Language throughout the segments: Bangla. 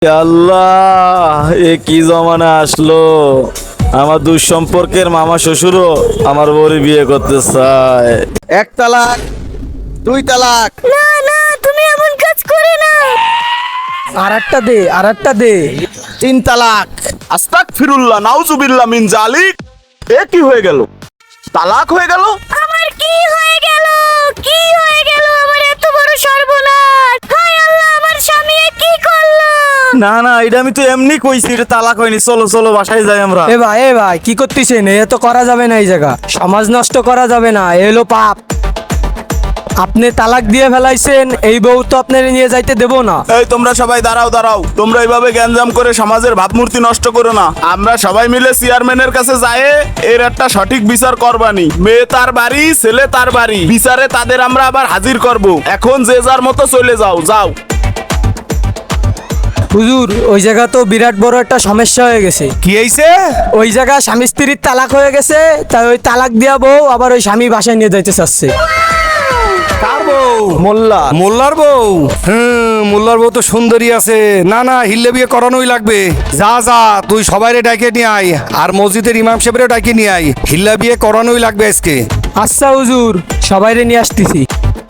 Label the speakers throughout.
Speaker 1: আল্লাহ, এ কি জমানা আসলো! আমার দুঃসম্পর্কের মামা শ্বশুরও আমার বউরে বিয়ে করতে চায়।
Speaker 2: এক তালাক, দুই তালাক।
Speaker 3: না না, তুমি এমন কাজ করে না।
Speaker 4: আর একটা দে।
Speaker 2: তিন তালাক।
Speaker 1: আস্তাগফিরুল্লাহ, নাউজুবিল্লাহ মিন জালিক। এ কি হয়ে গেল? তালাক হয়ে গেল?
Speaker 3: আমার কি হয়ে গেল? কি হয়ে গেল? আমার এত বড় সর্বনাশ! হায় আল্লাহ, আমার স্বামী এ কি করলো?
Speaker 1: না না, এটা আমি তো এমনি কইছি, এটা তালাক হয়নি। চলো চলো, বাসায় যাই আমরা।
Speaker 4: এ ভাই কি করতেছেন? এ তো করা যাবে না, এই জায়গা সমাজ নষ্ট করা যাবে না, এ হলো পাপ। আপনি তালাক দিয়ে ফেলাইছেন, এই বউ তো আপনার নিয়ে যাইতে দেবো না।
Speaker 1: এই তোমরা সবাই দাঁড়াও দাঁড়াও, তোমরা এইভাবে গ্যাঞ্জাম করে সমাজের ভাবমূর্তি নষ্ট করো না। আমরা সবাই মিলে চেয়ারম্যানের কাছে যাই, এর একটা সঠিক বিচার করবানি। মেয়ে তার বাড়ি, ছেলে তার বাড়ি, বিচারে তাদের আমরা আবার হাজির করব। এখন যে যার মতো চলে যাও, যাও।
Speaker 4: হুজুর, ওই জায়গা তো বিরাট বড় একটা সমস্যা হয়ে গেছে।
Speaker 2: কি হয়েছে?
Speaker 4: ওই জায়গা স্বামী স্ত্রীর তালাক হয়ে গেছে, তাই ওই তালাক দিয়া বউ আবার ওই স্বামী বাসায় নিয়ে যাইতে চাচ্ছে।
Speaker 2: কার বউ?
Speaker 1: মোল্লা।
Speaker 2: মোল্লার বউ? মোল্লার বউ তো সুন্দরী আছে। না না, হিল্লে বিয়ে করানোই লাগবে। যা যা, তুই সবাইরে ডাকে নিয়ে আয়, আর মসজিদের ইমাম সাহেবেরও ডাকে নিয়ে আয়। হিল্লা বিয়ে করানোই লাগবে আজকে।
Speaker 4: আচ্ছা হুজুর, সবাইরে নিয়ে আসতেছি।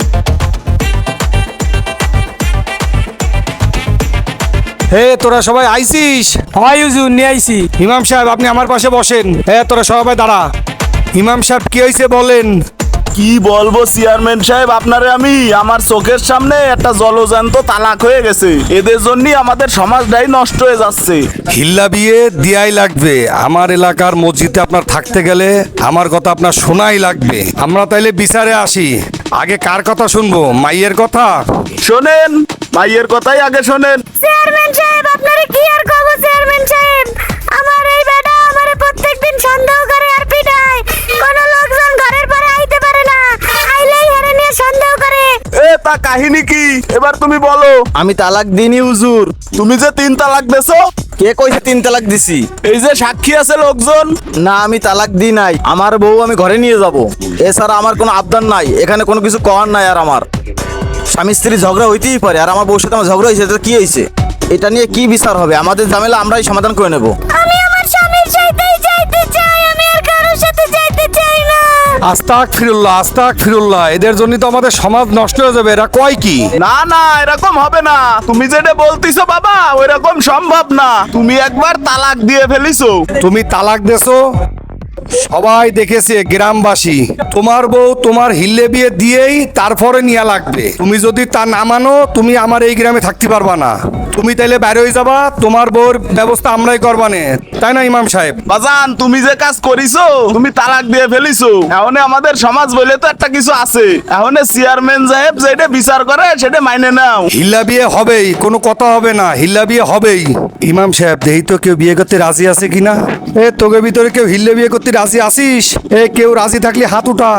Speaker 2: হে, তোরা সবাই আইছিস?
Speaker 4: হয় হুজুর, নিয়ে আইছি।
Speaker 2: ইমাম সাহেব, আপনি আমার পাশে বসেন। হ্যাঁ, তোরা সবাই দাঁড়া। ইমাম সাহেব, কি হয়েছে বলেন?
Speaker 1: কি বলবো চেয়ারম্যান সাহেব, আপনারে আমি আমার চোখের সামনে একটা জলজান্ত তালাক হয়ে গেছে। এদের জন্যই আমাদের সমাজটাই নষ্ট হয়ে যাচ্ছে।
Speaker 2: হিল্লা বিয়ে দিয়াই লাগবে। আমার এলাকার মসজিদে আপনার থাকতে গেলে আমার কথা আপনার শোনাই লাগবে। আমরা তাইলে বিচারে আসি। আগে কার কথা শুনবো, মাইয়ের কথা?
Speaker 1: শোনেন, মাইয়ের কথাই আগে শোনেন।
Speaker 3: চেয়ারম্যান সাহেব, আপনারে কি আর কব? চেয়ারম্যান সাহেব, আমার এই বেটা আমারে প্রত্যেকদিন সন্দেহ করে আর পিটায়। কোন লোকজন ঘরের পরে আইতে পারে না, আইলেই হেরে নিয়ে সন্দেহ করে।
Speaker 1: এ তা কাহিনী কি, এবার তুমি বলো।
Speaker 2: আমি তালাক দিইনি হুজুর।
Speaker 1: তুমি যে 3 তালাক দেছো,
Speaker 2: কে কইছে তিন তালাক দিছি?
Speaker 1: এই যে সাক্ষী আছে লোকজন।
Speaker 2: না, আমি তালাক দিই নাই। আমার বউ আমি ঘরে নিয়ে যাব, এছাড়া আমার কোনো আবদার নাই। এখানে কোনো কিছু করার নাই। আর আমার স্বামী স্ত্রী ঝগড়া হইতেই পারে, আর আমার বউর সাথে আমার ঝগড়া হয়েছে, এটা কি হয়েছে? এটা নিয়ে কি বিচার হবে? আমাদের ঝামেলা আমরাই সমাধান করে নেব।
Speaker 3: আমি আমার স্বামীর সাথেই যাইতে চাই, আমি আর কারোর সাথে যাইতে চাই না।
Speaker 2: আস্তাগফিরুল্লাহ, এদের জন্য তো আমাদের সমাজ নষ্ট হয়ে যাবে। এরা কয় কি?
Speaker 1: না না, এরকম হবে না। তুমি যেটা বলতিছো বাবা, ওইরকম সম্ভব না। তুমি একবার তালাক দিয়ে ফেলিছো।
Speaker 2: তুমি তালাক দেছো, সবাই দেখেছে, গ্রামবাসী। তোমার বউ তোমার হিল্লে বিয়ে দিয়েই তারপরে নিয়ে লাগবে। তুমি যদি তা না মানো, তুমি আমার এই গ্রামে থাকতে পারবা না। তুমি তাইলে বাইরে হয়ে যাবা, তোমার বউর ব্যবস্থা আমরাই করবানে, তাই না ইমাম সাহেব?
Speaker 1: বাজান, তুমি যে কাজ করিছো, তুমি তালাক দিয়ে ফেলিছো। এখন আমাদের সমাজ বলে তো একটা কিছু আছে। এখন চেয়ারম্যান সাহেব যেটা বিচার করে সেটা মাইনে নাও।
Speaker 2: হিল্লা বিয়ে হবেই, কোনো কথা হবে না। হিল্লা বিয়ে হবেই। ইমাম সাহেব, দেই তো কেউ বিয়ে করতে রাজি আছে কিনা। এ, তোকে ভিতরে কেউ হিল্লে বিয়ে করতে রাজি আসিস? এ, কেউ রাজি থাকলে হাত উঠা।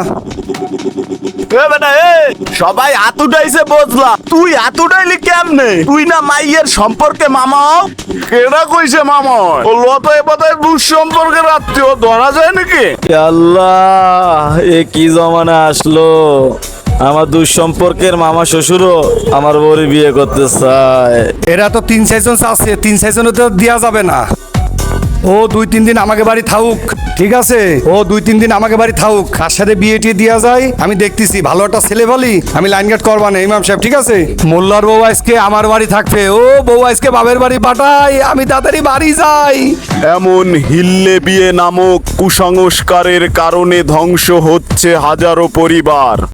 Speaker 1: এ বেটা, সবাই হাত উঠাইছে বুঝলাম, তুই হাত উঠাইলি কেমনে? তুই না মাইয়ের সম্পর্কে মামা? কেডা কইছে মামা? ও লত এ পথে দুঃসম্পর্কের আত্মীয় ধরা যায় নাকি? আল্লাহ, এ কি জমানা আসলো! আমার দুঃসম্পর্কের মামা শ্বশুরও আমার বউরে বিয়ে করতে চায়।
Speaker 2: এরা তো 3-4 জন আছে, 3-4 তো দেওয়া যাবে না। ও 2-3 দিন আমাকে বাড়ি থাকুক, ঠিক আছে? ও 2-3 দিন আমাকে বাড়ি থাকুক। কার সাথে বিয়ে টিয়ে দেওয়া যায় আমি দেখতেছি। ভালো একটা ছেলে বলি আমি লাইন গার্ড করবা না ইমাম সাহেব, ঠিক আছে? মোল্লার বউ আজকে আমার বাড়ি থাকবে। ও বউ আজকে বাবের বাড়ি পাঠাই, আমি তাড়াতাড়ি বাড়ি যাই।
Speaker 1: এমন হিল্লে বিয়ে নামক কুসংস্কারের কারণে ধ্বংস হচ্ছে হাজারো পরিবার।